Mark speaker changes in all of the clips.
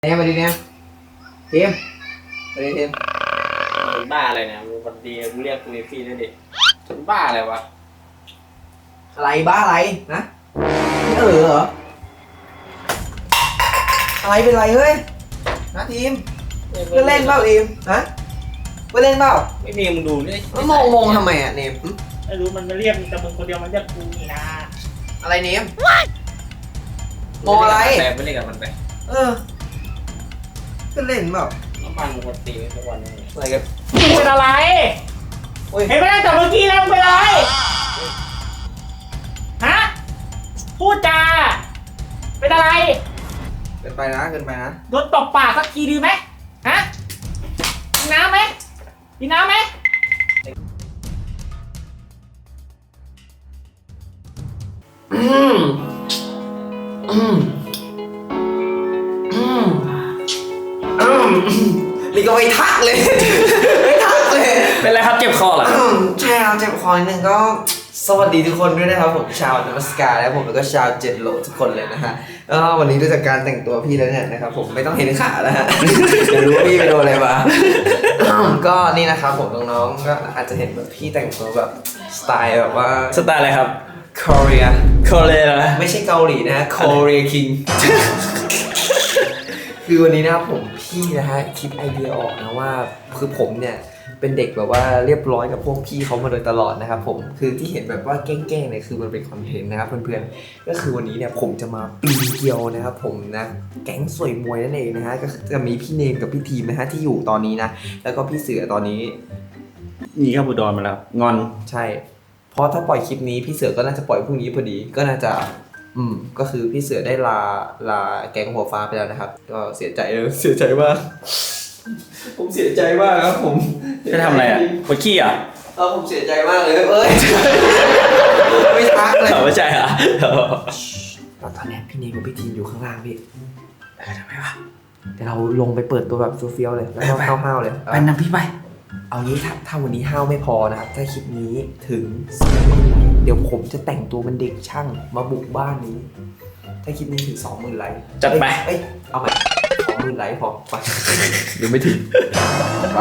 Speaker 1: เนี่ยมาดิเนี่ยทีมมาดิทีม
Speaker 2: เป็นบ้าอะไรเนี่ยมึงวันดีมึงเรียกกูเอฟี่ด้วยดิเป็นบ้าอะไรวะ
Speaker 1: อะไรบ้าอะไรนะเหรออะไรเป็นไรเฮ้ยนะทีมเพื่อนเล่นเปล่าทีมฮะเพื่อนเล่นเปล่า
Speaker 2: ไม่มีมึงดูนี่
Speaker 1: มันมองทำไมอ่ะเนม
Speaker 2: ไม่รู้มันมาเรียกแต่มึงคนเดียวมันเรียกกูนี่นะ
Speaker 1: อะไรเนมมองอะไร
Speaker 2: ไม่เล่นกับมันไป
Speaker 1: เพื่อนเล่นเปล่า
Speaker 2: น้ำมันมึงคนตีทุกวันนี้
Speaker 1: อะไรกัน
Speaker 2: มึงเป็นอะไรเห็นไหมแต่เมื่อกี้แล้วมึงเป็นอะไรฮะพูดจาเป็นอะไร
Speaker 1: เกินไปนะ
Speaker 2: โดนตบปากสักทีดีไหมฮะกินน้ำไหม
Speaker 1: นี่ก็ไม่ทักเลย
Speaker 2: เป็นไรครับเจ็บคอเหรอ
Speaker 1: ใช่ครับเจ็บคอนิดนึงก็สวัสดีทุกคนด้วยนะครับผมชาวนมัสการและผมแล้วก็ชาวเจ็ดโหลทุกคนเลยนะฮะวันนี้ด้วยจากการแต่งตัวพี่แล้วเนี่ยนะครับผมไม่ต้องเห็นขาแล้วฮะเดี๋ยวรู้ว่าพี่ไปโดนอะไรมาก็นี่นะครับผมน้องๆก็อาจจะเห็นแบบพี่แต่งตัวแบบสไตล์แบบว่า
Speaker 2: สไตล์อะไรครับ
Speaker 1: เกาหลี
Speaker 2: นะ
Speaker 1: ไม่ใช่เกาหลีนะฮะเกาหลีคิงคือวันนี้นะครับผมพี่นะฮะคิดไอเดียออกนะว่าคือผมเนี่ยเป็นเด็กแบบว่าเรียบร้อยกับพวกพี่เขามาโดยตลอดนะครับผมคือที่เห็นแบบว่าแกล้งๆเนี่ยคือมันเป็นคอนเทนต์นะครับเพื่อนๆก็คือวันนี้เนี่ยผมจะมาปีนเกลียวนะครับผมนะแก๊งสวยมวยนั่นเองนะฮะก็จะมีพี่เนมกับพี่ทีมนะฮะที่อยู่ตอนนี้นะแล้วก็พี่เสือตอนนี้
Speaker 2: นี่ครับอุดรมาแล้วงอน
Speaker 1: ใช่เพราะถ้าปล่อยคลิปนี้พี่เสือก็น่าจะปล่อยพรุ่งนี้พอดีก็น่าจะก็คือพี่เสือได้ลาแก๊งหัวฟ้าไปแล้วนะครับก็เสียใจมากผมเสียใจมากครับผม
Speaker 2: จะทำอะไรอ่ะปวดขี้อ่ะ
Speaker 1: ผมเสียใจมากเลยไม่ทักเลย
Speaker 2: ไม่ใช่อ่ะ
Speaker 1: ตอนนี้พี่เนมกับพี่ทีมอยู่ข้างล่างพี่ทำไมวะเดี๋ยวเราลงไปเปิดตัวแบบเฟี้ยวๆเลยแล้วก็ห้าวๆเลย
Speaker 2: ไปนำพี่ไป
Speaker 1: เอางี้ถ้าวันนี้ห้าวไม่พอนะครับถ้าคลิปนี้ถึงเดี๋ยวผมจะแต่งตัวเป็นเด็กช่างมาบุกบ้านนี้ถ้าคลิปนี้ถึง 20,000 ไลค์
Speaker 2: จัดไป
Speaker 1: เอาใหม่ 20,000 ไลค์พอไป
Speaker 2: หรือไม่ถึง
Speaker 1: ไป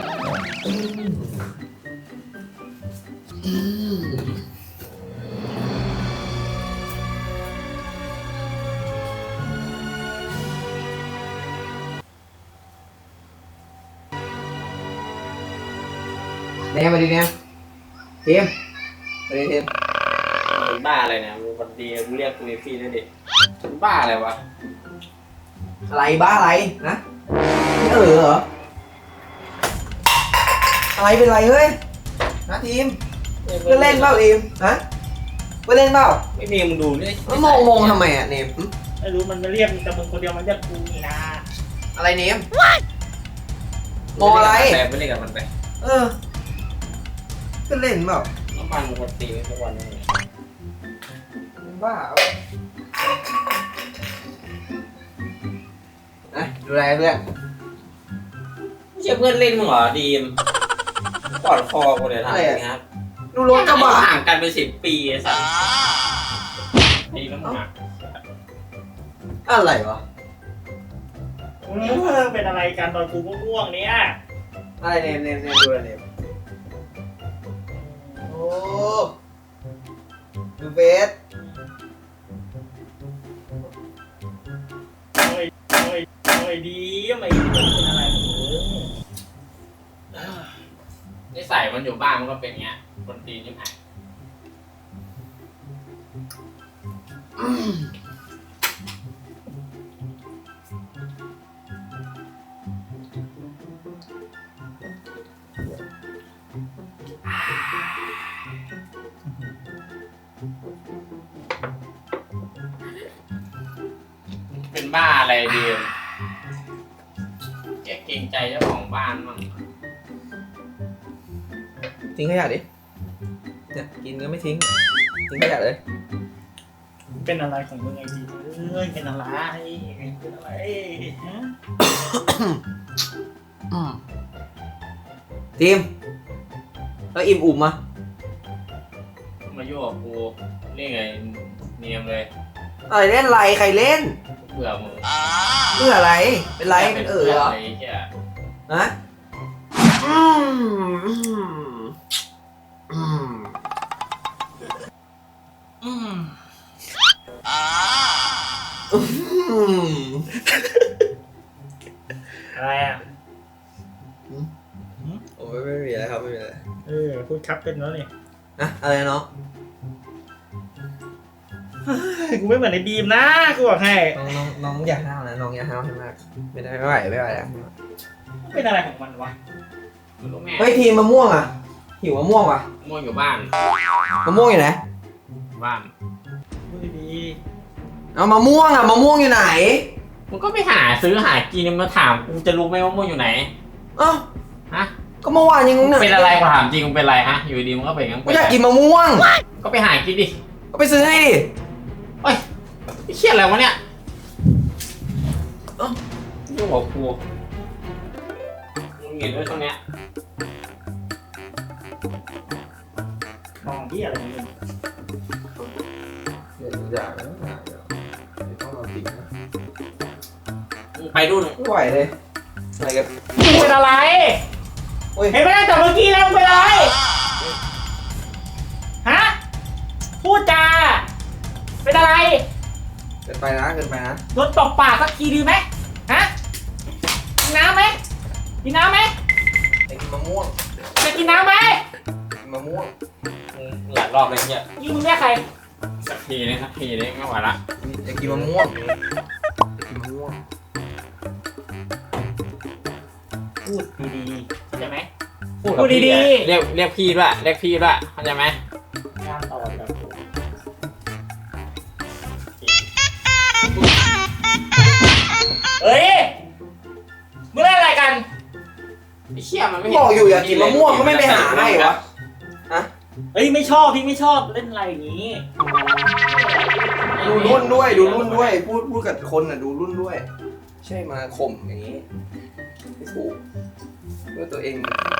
Speaker 1: เนี่ยมาดิเนี่ยทีมมาดิทีม
Speaker 2: เป็นบ้าอะไรเนี่ยมึงวันดีมึงเรียกกูเอฟี่ด้วยดิเป็นบ้าอะไรวะ
Speaker 1: อะไรบ้าอะไรนะเหรออะไรเป็นไรเฮ้ยนะทีมเพื่อนเล่นเปล่าทีมฮะเพื่อนเล่นเปล่า
Speaker 2: ไม่มีมึงดูนี่
Speaker 1: มันมองทำไมอ่ะเนม
Speaker 2: ไม่รู้มันมาเรียกแต่มึงคนเดียวมันเรียกกูนี่นะ
Speaker 1: อะไรเนมมองอะไร
Speaker 2: ไม่เล่นกับมันไป
Speaker 1: เพื่อนเล่นเปล่า
Speaker 2: น้ำมันมึงคนตีทุกวันนี้
Speaker 1: บ้าดูแลเพื่อน
Speaker 2: ไม่ใช่เพื่อนเล่นมึงเหรอดีมกอดคอกูเลยนะครับ
Speaker 1: ดูรถกระบะ
Speaker 2: ห่างกันเป็น10 ปีสัสดีแล้วมึง
Speaker 1: อะไรวะ
Speaker 2: เป็นอะไรกันตอนกูง่วงเนี่ย
Speaker 1: อะไรเนมดูอะไรเนมโอ้ดูเบส
Speaker 2: โอ้ยดีไม่เป็นอะไรนิสัยมันอยู่บ้านมันก็เป็นเงี้ยคนตีนี่ไงเป็นบ้าอะไรดีแกเกรงใจเจ้าของบ้านมั้ง
Speaker 1: ทิ้งขยะดิเนี่ยกินก็ไม่ทิ้งขยะเลย
Speaker 2: เป็นอะไรของมึงไอ้ดีเป็นอะไร
Speaker 1: ทีมแล้วอิ่มอุ่มมา
Speaker 2: โยกกูนี่ไงเนียมเลย
Speaker 1: อะไรเล่นไรใครเล่น
Speaker 2: เบื่อมึง
Speaker 1: เบื่ออะไรเป็นไรเป็นเหรอ
Speaker 2: ไอ้เหี้ย
Speaker 1: ฮะอืมอืมอืมอืมอืม
Speaker 3: อะไรอ่ะ
Speaker 1: โอ้ไม่มีอะไรครับไม่มีอะไร
Speaker 3: พูดครับเป็นแล้วนี่
Speaker 1: นะอะไรนะน้อง
Speaker 3: กูไม่เหมือนในบีมนะกูบอกให้
Speaker 1: น้องอย่าห้าวนะน้องอย่าห้าวให้มากไม่ได้ไม่ไหวไม่ไหวแล้ว
Speaker 3: เป็นอะไรของมันวะ
Speaker 2: มึงรู้แม่
Speaker 1: เฮ้ยทีมมะม่วงอ่ะหิวมะม่วงว่ะ
Speaker 2: ม่วงอยู่บ้าน
Speaker 1: มะม่วงอยู่ไหน
Speaker 2: บ้าน
Speaker 3: พูดดี
Speaker 1: เอามะม่วงอ่ะมะม่วงอยู่ไหน
Speaker 2: มึงก็ไปหาซื้อหากินมาถามกูจะรู้ไหมว่าม่วงอยู่ไหน
Speaker 1: เอ้า
Speaker 2: ฮะ
Speaker 1: ก็เมื่อวานยังเนี่ย
Speaker 2: เป็นอะไรกูถามจริงมึงเป็นอะไรฮะอยู่ดีมึงก็เป็นงั้น
Speaker 1: กูอยากกินมะม่วง
Speaker 2: ก็ไปหากินดิ
Speaker 1: ก็ไปซื้อให้ดิ
Speaker 2: เฮ้ยไอ้เหี้ยอะไรวะเนี่ยเอ้ายุ่งกับกูมึงเห็นด้วยตรงเนี้ย
Speaker 3: ๆมองที่อะไรของมึง
Speaker 1: อย่าต้องเอาจริงนะ
Speaker 2: มึงไปดูหน่อย
Speaker 1: ไม่ไหวเลยอะไรกัน
Speaker 3: มึงเป็นอะไร
Speaker 1: โอ้ย
Speaker 3: เห็นไหมแต่เมื่อกี้แล้วมึงเป็นอะไรฮะพูดจาเป็นอะไร
Speaker 1: เกินไปนะเกินไปนะ
Speaker 3: โดนตบปากสักทีดีไหมฮะกินน้ำไหมกินน้ำไหม
Speaker 1: อยากกินมะม่วง
Speaker 3: จะกินน้ำไหม
Speaker 1: กินมะม่วง
Speaker 2: มึงหลายรอบเลยเนี่ย
Speaker 3: นี่มึงเรียกใคร
Speaker 2: สักทีนึงไม่ไหวละ
Speaker 1: อยากกินมะม่วงกินมะม่วง
Speaker 3: พูดดีๆเข้าใจไหม
Speaker 2: พูด
Speaker 3: พูดดีๆ
Speaker 2: ๆเรียกพี่ด้วยเรียกพี่ด้วยเข้าใจไหม
Speaker 3: งานต่อแบบเฮ้ยมึงเล่นอะไรกัน
Speaker 2: ไอ้เชี่ยมันไม่
Speaker 1: บอกอยู่อยากกินมะม่วงก็ไม่ไปหาให้วะฮะ
Speaker 3: เฮ้ยไม่ชอบพี่ไม่ชอบเล่นอะไรอย่างนี้
Speaker 1: ดูรุ่นด้วยดูรุ่นด้วยพูดกับคนอ่ะดูรุ่นด้วย ใช่มาข่มอย่างนี้ไม่ถูกเพื่อตัวเอง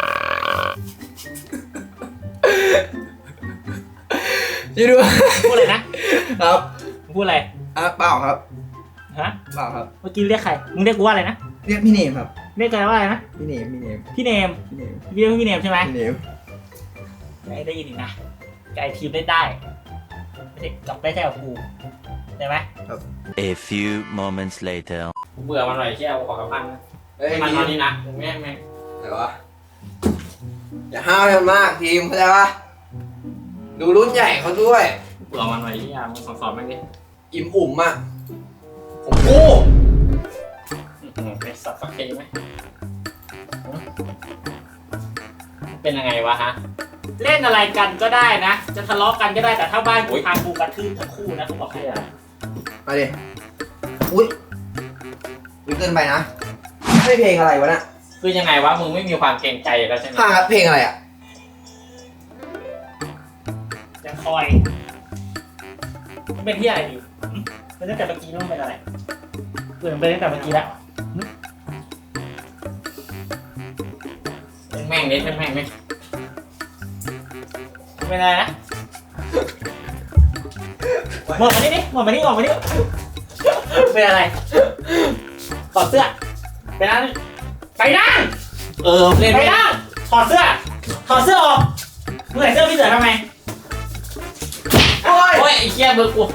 Speaker 1: ยี่ดู
Speaker 3: พูดอะไรนะครับ พูดอะไร
Speaker 1: เปล่าครับ
Speaker 3: ฮะ
Speaker 1: เปล่าครับ
Speaker 3: เมื่อกี้เรียกใครมึงเรียกกูว่าอะไรนะ
Speaker 1: เรียกพี่เนมครับ
Speaker 3: เรียกใครว่าอะไรนะ
Speaker 1: พี่เนมพี่เนม
Speaker 3: พี่เนม
Speaker 1: พี่เนม
Speaker 3: พี่เรียกพี่เนมใช่ไหม
Speaker 1: พี่เนม
Speaker 3: ได้ยินอีกนะไก่ทีมเล่นได้ไม่ใช่กับได้แค่กับกูได้ไหม
Speaker 4: A few moments later.
Speaker 2: เบื่อมันหน่อยเชี่ยกูขอกลับบ้านนะ
Speaker 1: เฮ้ย
Speaker 2: มัน
Speaker 1: ที
Speaker 2: นอ
Speaker 1: ม
Speaker 2: นนี่นะแม่ง
Speaker 1: อะไรวะอย่าห้าวให้มันมากทีมเข้าใจปะดูรุ่นใหญ่เขาด้วย
Speaker 2: เบื่อมันหน่อยเชี่ยมึงสอนแม่งดิ
Speaker 1: อิ่มอุ่มอ่ะผมกู
Speaker 2: เป็นสักทีไหมเป็นยังไงวะฮะ
Speaker 3: เล่นอะไรกันก็ได้นะ จะทะเลาะกันก็ได้แต่ถ้าบ้านกูทางกูกระทืบทั้งคู่นะกูบอกให้
Speaker 1: มาดิอุ้ยเกินไปนะไม่เพลงอะไรวะน่ะ
Speaker 2: คือยังไงวะมึงไม่มีความเกรงใจแล้วใช่ไหม
Speaker 1: ห่างกับเพลงอะไรอ่ะ
Speaker 3: จะคอยเป็นที่อะไรอยู่เป็นตั้งแต่เมื่อกี้นู่นเป็นอะไรเปลี่ยนไปตั้งแต่เมื่อกี้แล้ว
Speaker 2: แม่งนิดแม่งไหม
Speaker 3: เป็นอะไรนะหมดมานี่ดิหมดมานี่ออกมานี่เป็นอะไรถอดเสื้อไปนั่งไปนั่ง
Speaker 2: เล่น
Speaker 3: ไป
Speaker 2: ไม่
Speaker 3: นั่งถอดเสื้อถอดเสื้อออกมึงใส่เสื้อพี่เสือทำไม
Speaker 1: โอ้ย
Speaker 2: โอ้ยไอ้เชี่ยเบอร์กู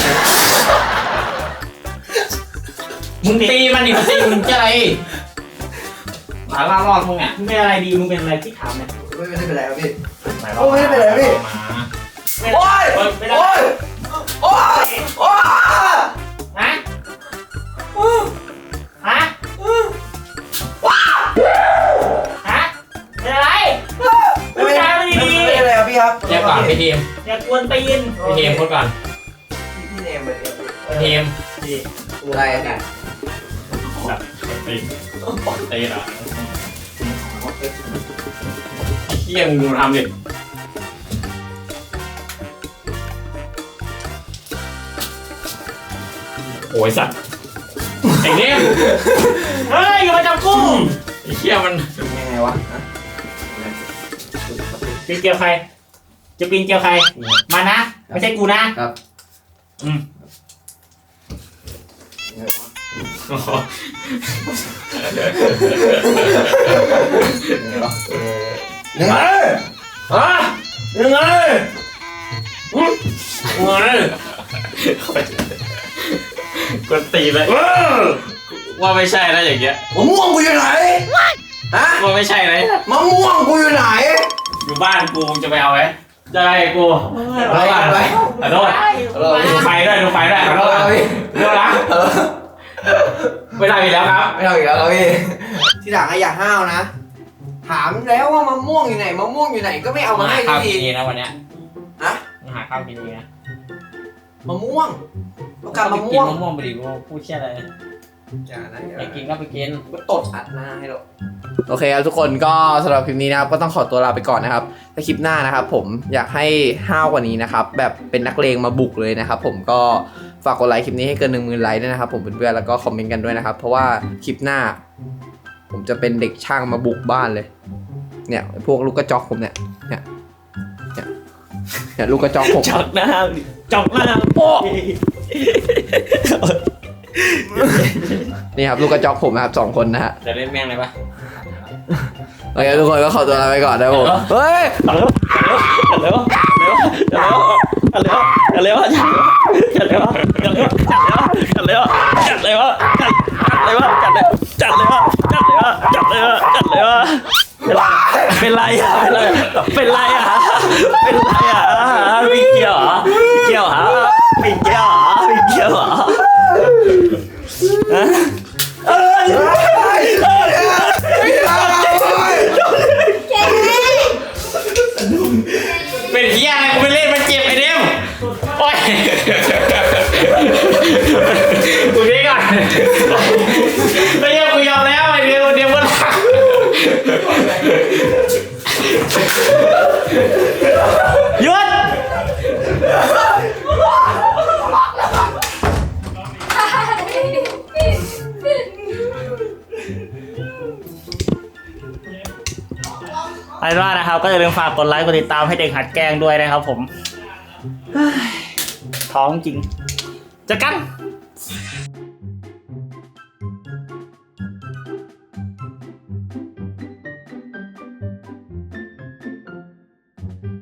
Speaker 3: มึงเด็ก
Speaker 2: ตีมันดิมึงตีมึงจะอะไรหมาล่ารอดมึงอ่ะ
Speaker 3: มึงเป็นอะไรดีมึงเป็นอะไรที่ถามเนี่ย
Speaker 1: ไม่ได้เป็นไรครับพี่
Speaker 2: หมา
Speaker 1: โอ้ยไม่เป็นไรพี่
Speaker 2: หมา
Speaker 1: โอ้ย
Speaker 3: เป็นอะไร
Speaker 1: โอ้ยโอ้ยโอ้ย
Speaker 3: ฮะฮะฮะเป็นอะไรพูดจาไม่ดี
Speaker 1: ไม่เป็นไรครับพี่ครับ
Speaker 2: เรียกก่อนพี่ทีม
Speaker 3: ๆอย่ากวนตีน
Speaker 2: พี่ทีมพูดก่อน
Speaker 1: พี่เนมเลย
Speaker 2: พี่ทีม
Speaker 1: อะไรเนี่ย
Speaker 2: ตีตีเหรอเชี่ยมึงดูทำดิโอ้ยสัตว์ไอ้เนี่ย
Speaker 3: เฮ้ยอย่ามาจับกู
Speaker 2: ไอ้เชี่ยมัน
Speaker 1: ยังไงวะ
Speaker 3: ปีนเกลียวใครจะปีนเกลียวใครมานะไม่ใช่กูนะครับ อืม
Speaker 2: ยังไงฮะยังไงยังไง
Speaker 3: กดตีเลยว่าไม่ใช่นะอย่างเงี้ย
Speaker 2: มะม่วงกูอยู่ไหนฮะ
Speaker 3: ว่าไม่ใช่นะ
Speaker 2: มะม่วงกูอยู่ไหน
Speaker 3: อยู่บ้านกูมึงจะไปเอาไหมจะไปกู
Speaker 1: ไปไป
Speaker 3: ขอโทษดูไฟด้วยดูไฟด้วยขอโทษนะดูนะไม่ได้อีกแล้วครับ
Speaker 1: ไม่เอาอีกแล้วครับพี่
Speaker 2: ทีหลังอย่าห้าวนะ ถามแล้วว่ามะม่วงอยู่ไหนมะม่วงอยู่ไหนก็ไม่เอามาให้
Speaker 3: ข้าว
Speaker 2: ที
Speaker 3: กินเองนะวันเนี้ย
Speaker 2: ฮะ
Speaker 3: หาข้าวกินเองนะ
Speaker 2: มะม่วงต้องการมะ
Speaker 3: กิ
Speaker 2: ม่
Speaker 3: น
Speaker 2: วง
Speaker 3: มะม่วงไปดิกูพูดเชี่ยอะไร
Speaker 1: อย่านะอย่า
Speaker 3: ไปกินก็ไปกิน
Speaker 2: ก็ตดอัดหน้าให้เรา
Speaker 1: โอเคครับทุกคนก็สำหรับคลิปนี้นะครับก็ต้องขอตัวลาไปก่อนนะครับถ้าคลิปหน้านะครับผมอยากให้ห้าวกว่านี้นะครับแบบเป็นนักเลงมาบุกเลยนะครับผมก็ฝากกดไลค์คลิปนี้ให้เกิน 10,000 ไลค์ด้วยนะครับผมเพื่อนๆแล้วก็คอมเมนต์กันด้วยนะครับเพราะว่าคลิปหน้า ผมจะเป็นเด็กช่างมาบุกบ้านเลยเนี่ยพวกลูกกระจอกผมเนี่ยลูกกระจอกผม
Speaker 3: จอกหน้าโป๊ะ
Speaker 1: นี่ครับลูกกระจอกผมนะครับ2 คนนะฮะ
Speaker 3: จะเล่นแม่งเลยปะ
Speaker 1: โอเคทุกคนก็ขอตัวลาไปก่อนนะครับผมเฮ้ย
Speaker 3: เร็วเป็นไรอ่ะวิ่งเกี่ยวเหรอวิ่งเกี่ยวเหรอเป็นเหี้ยอะไรกูไปเล่นมันเจ็บไอ้เดมโอ้ยกูนี่ก่อนไม่ยอมกูยอมแล้วไอ้เดมมันหยุดไอ้ว่านะครับก็อย่าลืมฝากกดไลค์กดติดตามให้เด็กหัดแกล้งด้วยนะครับผมท้องจริงเจอกัน